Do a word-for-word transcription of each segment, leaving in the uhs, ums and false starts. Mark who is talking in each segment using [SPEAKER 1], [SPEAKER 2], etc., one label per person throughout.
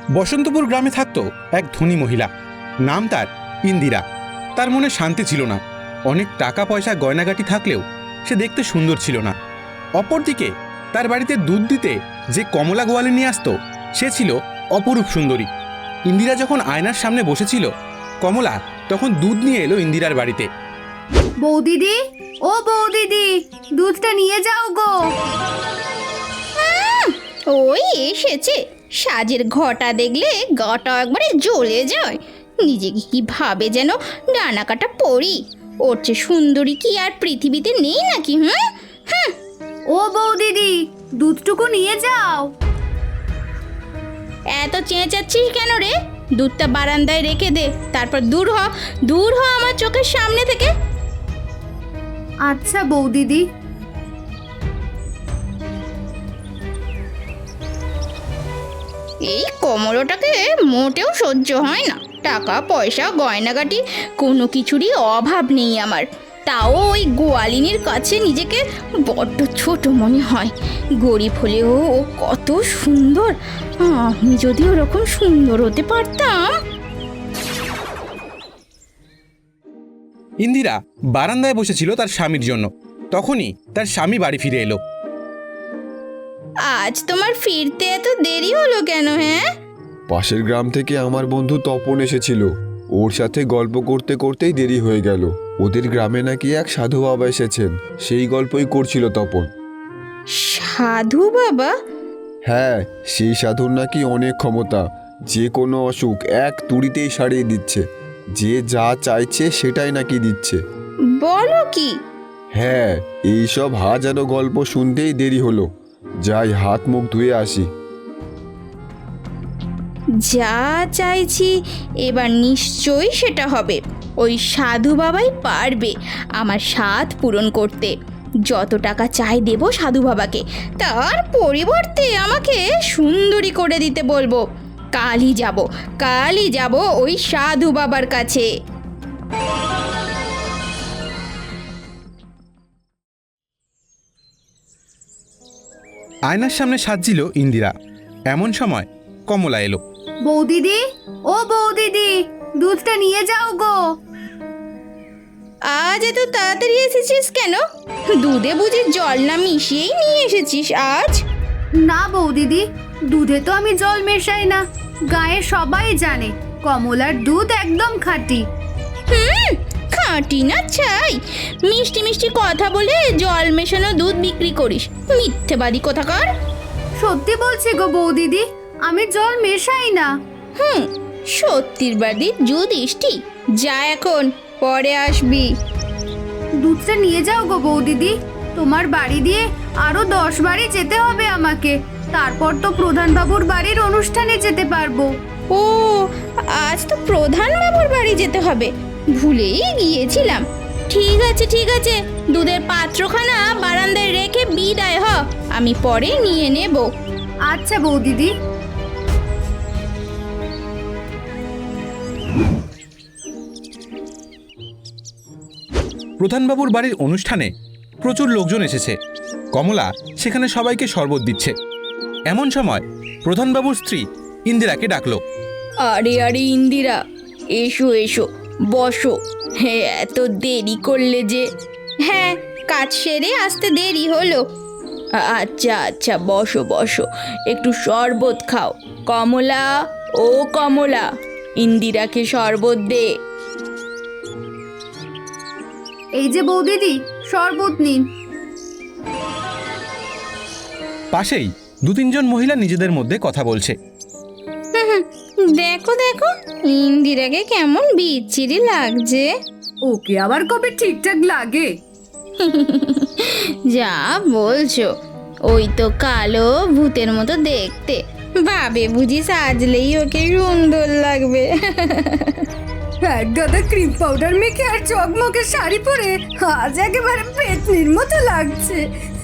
[SPEAKER 1] বসন্তপুর গ্রামে থাকতো এক ধনী মহিলা, নাম তার ইন্দিরা। তার মনে শান্তি ছিল না। অনেক টাকা পয়সা গয়নাগাটি থাকলেও সে দেখতে সুন্দর ছিল না। অপরদিকে তার বাড়িতে দুধ দিতে যে কমলা গোয়ালে নিয়ে আসতো সে ছিল অপরূপ সুন্দরী। ইন্দিরা যখন আয়নার সামনে বসেছিল, কমলা তখন দুধ নিয়ে এলো ইন্দিরার বাড়িতে।
[SPEAKER 2] বৌদিদি, ও বৌদিদি, দুধটা নিয়ে যাও গো।
[SPEAKER 3] ওই এসেছে, সাজের ঘটা দেখলে গাটা একবারে জ্বলে যায়। নিজেকে কি ভাবে যেন ডানা কাটা পড়ি। ওর চেয়ে সুন্দরী কি আর পৃথিবীতে নেই নাকি? হুম হুম
[SPEAKER 2] ও বৌদিদি, দুধটুকু নিয়ে যাও।
[SPEAKER 3] এত চেঁচাচ্ছিস কেন রে? দুধটা বারান্দায় রেখে দে, তারপর দূর হ, দূর হ আমার চোখের সামনে থেকে।
[SPEAKER 2] আচ্ছা বৌদিদি।
[SPEAKER 3] এই কমলোটাকে মোটেও সহ্য হয় না। টাকা পয়সা গয়নাগাটি কোনো কিছুরই অভাব নেই আমার, তাও ওই গোয়ালিনীর কাছে নিজেকে বড্ড ছোট মনে হয়। গরিব হলেও ও কত সুন্দর, আমি যদি ওরকম সুন্দর হতে পারতাম।
[SPEAKER 1] ইন্দিরা বারান্দায় বসেছিল তার স্বামীর জন্য। তখনই তার স্বামী বাড়ি ফিরে এলো।
[SPEAKER 3] আজ তোমার ফিরতে এত দেরি হলো কেন? হ্যাঁ,
[SPEAKER 4] পাশের গ্রাম থেকে আমার বন্ধু তপন এসেছিল, ওর সাথে গল্প করতে করতেই দেরি হয়ে গেল। ওদের গ্রামে নাকি এক সাধু বাবা এসেছেন, সেই গল্পই করছিল তপন।
[SPEAKER 3] সাধু বাবা?
[SPEAKER 4] হ্যাঁ, সেই সাধুর নাকি অনেক ক্ষমতা, যে কোনো অসুখ এক তুড়িতেই সারিয়ে দিচ্ছে। যে যা চাইছে সেটাই নাকি দিচ্ছে।
[SPEAKER 3] বলো কি?
[SPEAKER 4] হ্যাঁ, এইসব হাজারো গল্প শুনতেই দেরি হলো। যাই হাত মুখ ধুয়ে আসি।
[SPEAKER 3] যা চাইছি এবার নিশ্চয়ই সেটা হবে। ওই সাধু বাবাই পারবে আমার স্বাদ পূরণ করতে। যত টাকা চাই দেব সাধু বাবাকে, তার পরিবর্তে আমাকে সুন্দরী করে দিতে বলবো। কালই যাব, কালই যাব ওই সাধু বাবার কাছে।
[SPEAKER 1] আয়নার সামনে সাজছিল ইন্দিরা। এমন সময় কমলা এলো।
[SPEAKER 2] বৌদিদি, ও বৌদিদি, দুধটা নিয়ে যাও গো।
[SPEAKER 3] আজ এত তাড়াতাড়ি এসেছিস কেন? দুধে বুঝি জল না মিশিয়েই নিয়ে এসেছিস আজ?
[SPEAKER 2] না বৌদিদি, দুধে তো আমি জল মেশাই না। গায়ে সবাই জানে কমলার দুধ একদম খাঁটি।
[SPEAKER 3] হুম, খাঁটি না চাই? মিষ্টি মিষ্টি কথা বলে জল মেশানো দুধ বিক্রি করিস, মিথ্যেবাদী কোথাকার।
[SPEAKER 2] সত্যি বলছি গো বৌদিদি, আমি জল মেশাই না।
[SPEAKER 3] হুম, সত্যির বাদী যুধিষ্ঠি। যা এখন, পরে আসবি।
[SPEAKER 2] দুধটা নিয়ে যাও গো বৌদিদি। তোমার বাড়ি দিয়ে আরো দশ বাড়ি যেতে হবে আমাকে, তারপর তো প্রধান বাবুর বাড়ির অনুষ্ঠানে যেতে পারবো।
[SPEAKER 3] ও, আজ তো প্রধান বাবুর বাড়ি যেতে হবে, ভুলেই গিয়েছিলাম। ঠিক আছে ঠিক আছে, দুধের পাত্রখানা বারান্দায় রেখে বিদায় হ, আমি পরে নিয়ে নেব।
[SPEAKER 2] আচ্ছা বৌদিদি।
[SPEAKER 1] প্রধানবাবুর বাড়ির অনুষ্ঠানে প্রচুর লোকজন এসেছে। কমলা সেখানে সবাইকে শরবত দিচ্ছে। এমন সময় প্রধানবাবুর স্ত্রী ইন্দিরাকে ডাকলো।
[SPEAKER 3] আরে আরে ইন্দিরা, এসো এসো, বসো। হ্যাঁ, এত দেরি করলে যে? হ্যাঁ, কাজ সেরে আসতে দেরি হলো। আচ্ছা আচ্ছা, বসো বসো, একটু শরবত খাও। কমলা, ও কমলা, ইন্দিরাকে শরবত দে।
[SPEAKER 2] এই যে বৌদিদি, শরবত নিন।
[SPEAKER 1] পাশেই দু তিনজন মহিলা নিজেদের মধ্যে কথা বলছে।
[SPEAKER 3] দেখো দেখো, ইন্দিরাকে কেমন বিচ্ছিরি লাগছে।
[SPEAKER 2] ওকে আবার কবে ঠিকঠাক লাগে?
[SPEAKER 3] যা বলছো, ওই তো কালো ভূতের মতো দেখতে, ভাবে বুঝি সাজলেই ওকে সুন্দর লাগবে।
[SPEAKER 2] এক গাদা ক্রিম পাউডার মেখে আর চকমকে শাড়ি পরে আজ একেবারে পেতনির মতো লাগছে।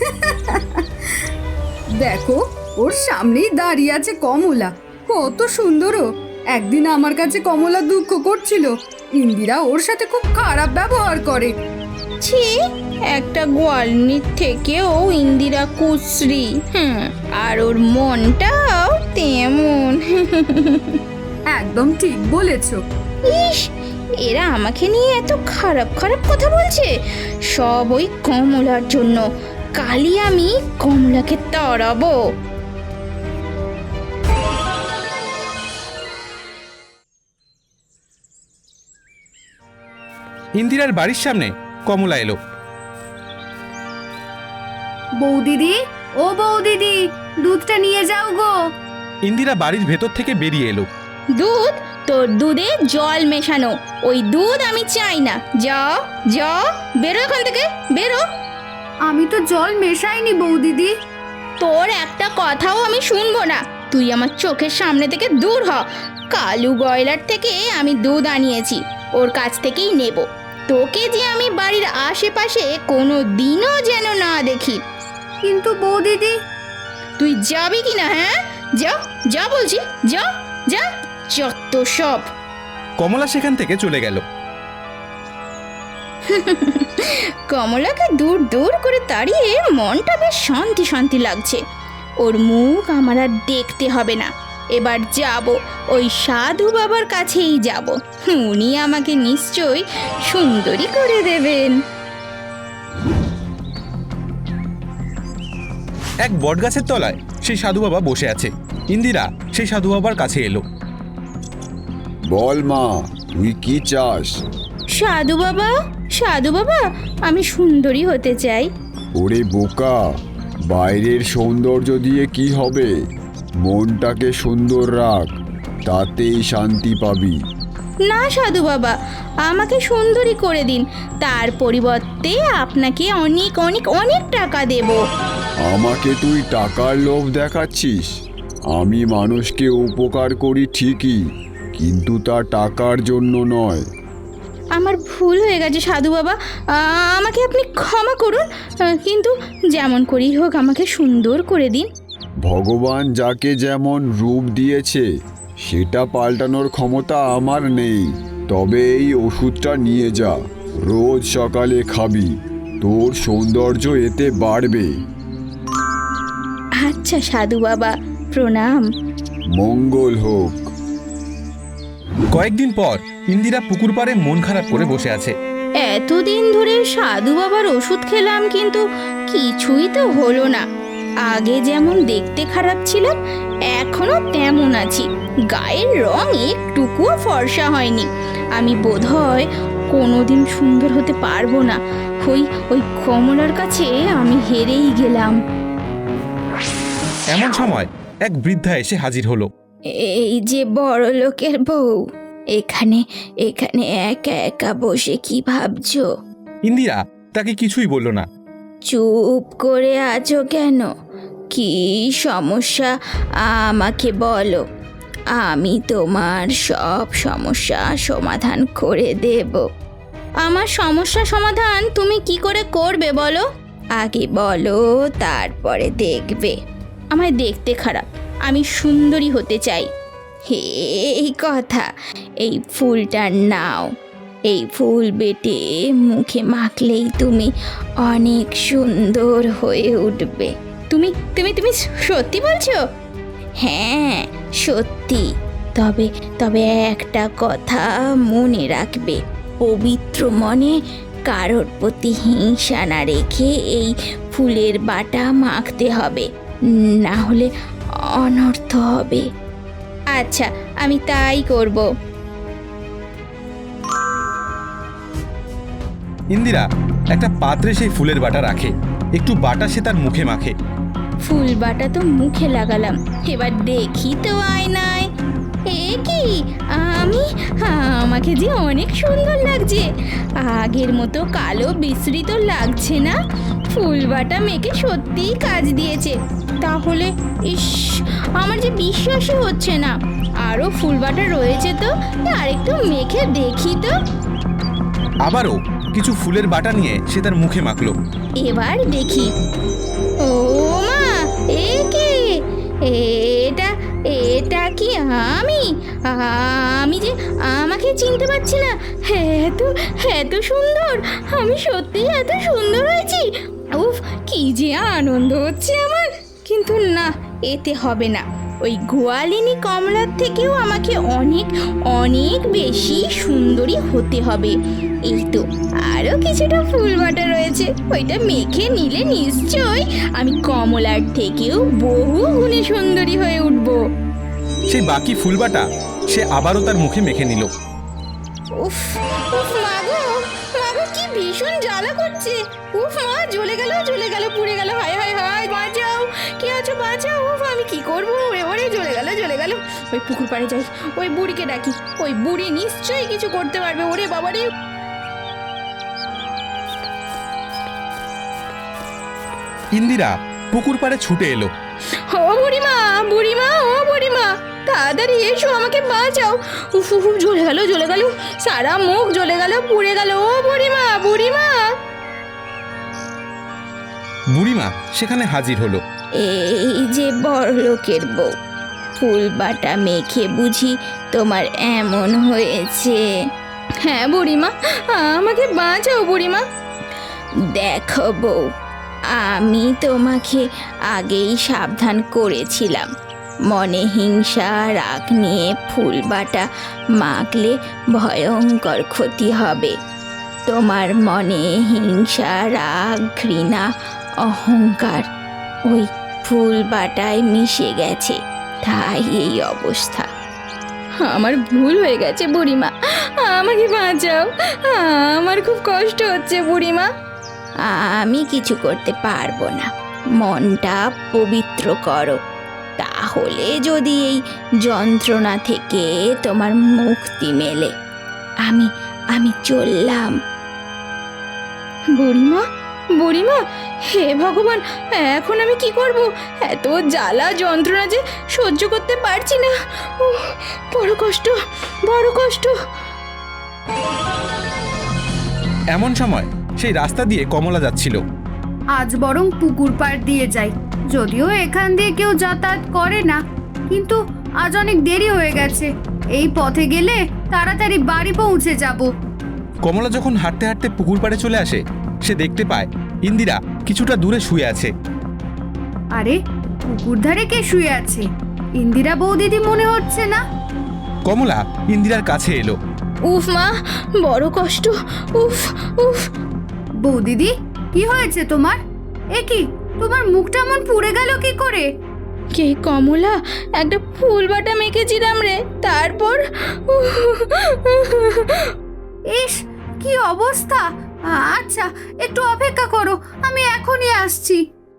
[SPEAKER 2] দেখো, ওর সামনেই দাঁড়িয়ে আছে কমলা, কত সুন্দর। একদিন আমার কাছে কমলা দুঃখ করছিল, ইন্দিরা ওর সাথে খুব খারাপ ব্যবহার করে।
[SPEAKER 3] ছি, একটা গোয়ালনির থেকেও ইন্দিরা কুশ্রী। হুম, আর ওর মনটাও তেমন।
[SPEAKER 2] একদম ঠিক বলেছো।
[SPEAKER 3] ইস, এরা আমাকে নিয়ে এত খারাপ খারাপ কথা বলছে, সব ওই কমলার জন্য। কালই আমি কমলাকে তাড়াবো।
[SPEAKER 1] ইন্দিরার বাড়ির সামনে কমলা এলো।
[SPEAKER 2] বৌদিদি, ও বৌদিদি, দুধটা নিয়ে যাও গো।
[SPEAKER 1] ইন্দিরা বাড়ির ভেতর থেকে বেরিয়ে এলো।
[SPEAKER 3] দুধ? তোর দুধে জল মেশানো, ওই দুধ আমি চাই না। যাও যাও, বেরো এখান থেকে, বেরো।
[SPEAKER 2] আমি তো জল মেশাইনি বৌদিদি।
[SPEAKER 3] তোর একটা কথাও আমি শুনবো না, তুই আমার চোখের সামনে থেকে দূর হ। কালু গয়লার থেকে আমি দুধ আনিয়েছি, ওর কাছ থেকেই নেব। তোকে যে আমি বাড়ির আশেপাশে কোনো দিনও যেন না দেখি।
[SPEAKER 2] কিন্তু বৌদিদি।
[SPEAKER 3] তুই যাবি কি না? হ্যাঁ, যা যা বলছি, যা যা, যত সব।
[SPEAKER 1] কমলা সেখান থেকে চলে গেল।
[SPEAKER 3] কমলাকে দূর দূর করে তাড়িয়ে মনটা বেশ শান্তি শান্তি লাগছে। ওর মুখ আমার আর দেখতে হবে না। এবার যাব ওই সাধু বাবার কাছেই যাব, উনি আমাকে নিশ্চয়ই সুন্দরী করে দেবেন।
[SPEAKER 1] এক বটগাছের তলায় সেই সাধু বাবা বসে আছে। ইন্দিরা সেই সাধু বাবার কাছে এলো।
[SPEAKER 4] বল মা, তুই কি চাস?
[SPEAKER 3] সাধু বাবা, সাধু বাবা, আমি সুন্দরী হতে চাই।
[SPEAKER 4] ওরে বোকা, বাইরের সৌন্দর্য দিয়ে কি হবে? মনটাকে সুন্দর রাখ, তাতেই শান্তি পাবি।
[SPEAKER 3] না সাধু বাবা, আমাকে সুন্দরী করে দিন, তার পরিবর্তে আপনাকে অনেক অনেক অনেক টাকা দেব।
[SPEAKER 4] আমাকে তুই টাকার লোভ দেখাচ্ছিস? আমি মানুষকে উপকার করি ঠিকই, কিন্তু তা টাকার জন্য নয়।
[SPEAKER 3] আমার ভুল হয়ে গেছে সাধু বাবা, আমাকে আপনি ক্ষমা করুন, কিন্তু যেমন করেই হোক আমাকে সুন্দর করে দিন।
[SPEAKER 4] ভগবান যাকে যেমন রূপ দিয়েছে সেটা পাল্টানোর ক্ষমতা আমার নেই। তবে এই ওষুধটা নিয়ে যা, রোজ সকালে খাবি, তোর সৌন্দর্য এতে বাড়বে।
[SPEAKER 3] আচ্ছা সাধু বাবা, প্রণাম।
[SPEAKER 4] মঙ্গল হোক।
[SPEAKER 1] কয়েকদিন পর ইন্দিরা পুকুর পাড়ে মন খারাপ করে বসে আছে।
[SPEAKER 3] এতদিন ধরে সাধু বাবার ওষুধ খেলাম, কিন্তু কিছুই তো হলো না। আগে যেমন দেখতে খারাপ ছিলাম, এখনো তেমন আছি। গায়ের রং একটুকুও ফর্সা হয়নি। আমি বোধহয় কোনোদিন সুন্দর হতে পারবো না। ওই ওই কমলার কাছে আমি হেরেই গেলাম।
[SPEAKER 1] এমন সময় এক বৃদ্ধা এসে হাজির হলো।
[SPEAKER 3] এই যে বড় লোকের বউ, এখানে এখানে একা একা বসে কি ভাবছো?
[SPEAKER 1] ইন্দিরা তাকে কিছুই বলল না।
[SPEAKER 3] চুপ করে আছো কেন? কি সমস্যা আমাকে বলো, আমি তোমার সব সমস্যা সমাধান করে দেব। আমার সমস্যা সমাধান তুমি কি করে করবে বলো? আগে বলো, তারপরে দেখবে। আমায় দেখতে খারাপ, আমি সুন্দরী হতে চাই। এই কথা, এই ফুলটা নাও। এই ফুল বেটে মুখে মাখলেই তুমি অনেক সুন্দর হয়ে উঠবে। তুমি তুমি তুমি সত্যি বলছো? হ্যাঁ সত্যি। তবে তবে একটা কথা মনে রাখবে, পবিত্র মনে কারোর প্রতি হিংসা না রেখে এই ফুলের বাটা মাখতে হবে, না হলে অনর্থ হবে। আচ্ছা, আমি তাই করব।
[SPEAKER 1] ইন্দিরা একটা পাত্রে সেই ফুলের বাটা রাখে, একটু বাটা সে তার মুখে মাখে।
[SPEAKER 3] ফুল বাটা তো মুখে লাগালাম, এবার দেখি তো আয়নায়। এ কি, আমি আমাকে যে অনেক সুন্দর লাগছে। আগের মতো কালো বিস্মৃত লাগছে না। ফুল বাটা মেখে সত্যিই কাজ দিয়েছে। তাহলে ইস, আমার যে বিশ্বাসই হচ্ছে না। আরও ফুল বাটা রয়েছে তো, আরেকটু মেখে দেখি তো।
[SPEAKER 1] আবারও কিছু ফুলের বাটা নিয়ে সে তার মুখে মাখলো।
[SPEAKER 3] এবার দেখি। ও মা, এ কে? এটা এটা কি আমি? আমি যে আমাকে চিনতে পারছি না। এত এত সুন্দর, আমি সত্যি এত সুন্দর হয়েছি। উফ, কি যে আনন্দ হচ্ছে আমার। কিন্তু না, এতে হবে না। ওই গোয়ালিনী কমলার থেকেও আমাকে অনেক অনেক বেশি সুন্দরী হতে হবে। এই তো আরও কিছুটা ফুল বাটা রয়েছে, ওইটা মেখে নিলে নিশ্চয় আমি কমলার থেকেও বহু গুণে সুন্দরী হয়ে উঠব।
[SPEAKER 1] সেই বাকি ফুলবাটা সে আবারও তার মুখে মেখে নিল।
[SPEAKER 3] উফ উফ মাগো মাগো, কি ভীষণ জ্বালা করছে। উফ মা, জ্বলে গেল জ্বলে গেল পুড়ে গেল, হায় হায় হায়, বাঁচাও, কে আছো বাঁচাও। উফ আমি কি করবো, ওরে ওরে, জ্বলে গেল জ্বলে গেল। ওই পুকুর পাড়ে যাই, ওই বুড়িকে ডাকি, ওই বুড়ি নিশ্চয়ই কিছু করতে পারবে। ওরে বাবা রে।
[SPEAKER 1] ইন্দিরা পুকুর পাড়ে ছুটে এলো।
[SPEAKER 3] ও বুড়িমা, বুড়িমা, ও বুড়িমা, তাড়াতাড়ি এসো, আমাকে বাঁচাও। উফ উফ, জ্বলে গেল জ্বলে গেল, সারা মুখ জ্বলে গেল পুড়ে গেল। ও বুড়িমা, বুড়িমা।
[SPEAKER 1] বুড়িমা সেখানে হাজির হলো।
[SPEAKER 3] এই যে বড়লোকের বউ, ফুল বাটা মেখে বুঝি তোমার এমন হয়েছে? হ্যাঁ বুড়িমা, আমাকে বাঁচাও বুড়িমা। দেখো বউ, আমি তোমাকে আগেই সাবধান করেছিলাম, মনে হিংসা রাগ নিয়ে ফুল বাটা মাখলে ভয়ঙ্কর ক্ষতি হবে। তোমার মনে হিংসা রাগ ঘৃণা অহংকার ওই ফুল বাটায় মিশে গেছে, তাই এই অবস্থা। আমার ভুল হয়ে গেছে বুড়িমা, আমাকে বাঁচাও, আমার খুব কষ্ট হচ্ছে বুড়িমা। আমি কিছু করতে পারবো না, মনটা পবিত্র করো, তাহলে যদি এই যন্ত্রণা থেকে তোমার মুক্তি মেলে। আমি আমি চললাম। বুড়িমা, বুড়িমা, হে ভগবান, এখন আমি কি করব? এত জ্বালা যন্ত্রণা যে সহ্য করতে পারছি না। উহ, বড় কষ্ট, বড় কষ্ট।
[SPEAKER 1] এমন সময় সেই রাস্তা দিয়ে কমলা যাচ্ছিল।
[SPEAKER 2] আজ বরং পুকুর পাড় দিয়ে যাই, যদিও এখান দিয়ে কেউ যাতায়াত করে না, কিন্তু আজ অনেক দেরি হয়ে গেছে। এই পথে গেলে তাড়াতাড়ি বাড়ি পৌঁছে যাব।
[SPEAKER 1] কমলা যখন হাঁটতে হাঁটতে পুকুর পাড়ে চলে আসে, সে দেখতে পায় ইন্দিরা কিছুটা দূরে শুয়ে আছে।
[SPEAKER 2] আরে, পুকুর ধারে কে শুয়ে আছে? ইন্দিরা বৌদিদি মনে হচ্ছে না।
[SPEAKER 1] কমলা ইন্দিরার কাছে এলো।
[SPEAKER 3] উফ মা, বড় কষ্ট, উফ উফ।
[SPEAKER 2] বৌদিদি, কি হয়েছে তোমার? এ কি, তোমার মুখটা এমন পুড়ে গেল কি করে?
[SPEAKER 3] কে কমলা, একটা ফুল বাটা মেখেছিলাম রে, তারপর
[SPEAKER 2] ইস, কি অবস্থা! আচ্ছা, একটু অপেক্ষা করো, আমি এখনই আসছি।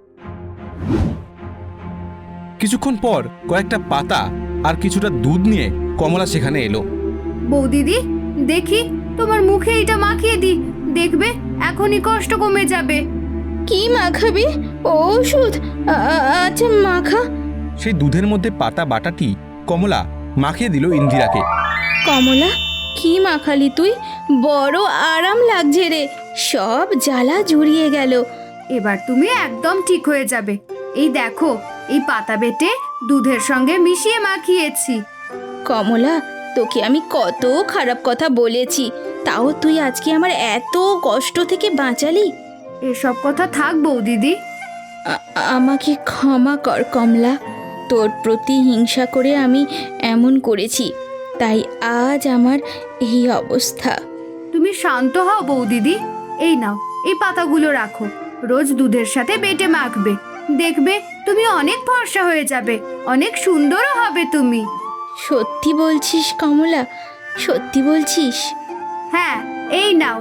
[SPEAKER 1] কিছুক্ষণ পর কয়েকটা পাতা আর কিছুটা দুধ নিয়ে কমলা সেখানে এলো।
[SPEAKER 2] বৌদিদি, দেখি তোমার মুখে এটা মাখিয়ে দি, দেখবে এখনই কষ্ট কমে যাবে।
[SPEAKER 3] কি মাখাবি? ওষুধ? আ- আচ্ছা মাখা।
[SPEAKER 1] সেই দুধের মধ্যে পাতা বাটাটি কমলা মাখিয়ে দিল ইন্দিরাকে।
[SPEAKER 3] কমলা, কি মাখালি তুই? বড় আরাম লাগছে রে, সব জ্বালা জুড়িয়ে গেল।
[SPEAKER 2] এবার তুমি একদম ঠিক হয়ে যাবে। এই দেখো, এই পাতা বেটে দুধের সঙ্গে মিশিয়ে মাখিয়েছি।
[SPEAKER 3] কমলা, তোকে আমি কত খারাপ কথা বলেছি, তাও তুই আজকে আমার এত কষ্ট থেকে বাঁচালি।
[SPEAKER 2] এসব কথা থাক বৌদিদি।
[SPEAKER 3] আ- আমাকে ক্ষমা কর কমলা, তোর প্রতি হিংসা করে আমি এমন করেছি, তাই আজ আমার এই অবস্থা।
[SPEAKER 2] তুমি শান্ত হও বৌদিদি। এই নাও, এই পাতাগুলো রাখো, রোজ দুধের সাথে বেটে মাখবে, দেখবে তুমি অনেক ফর্সা হয়ে যাবে, অনেক সুন্দরও হবে তুমি।
[SPEAKER 3] সত্যি বলছিস কমলা, সত্যি বলছিস?
[SPEAKER 2] হ্যাঁ, এই নাও।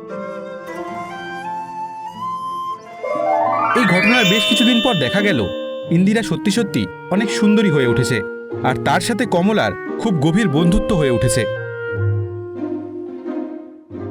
[SPEAKER 1] এই ঘটনার বেশ কিছুদিন পর দেখা গেল ইন্দিরা সত্যি সত্যি অনেক সুন্দরী হয়ে উঠেছে, আর তার সাথে কমলার খুব গভীর বন্ধুত্ব হয়ে উঠেছে।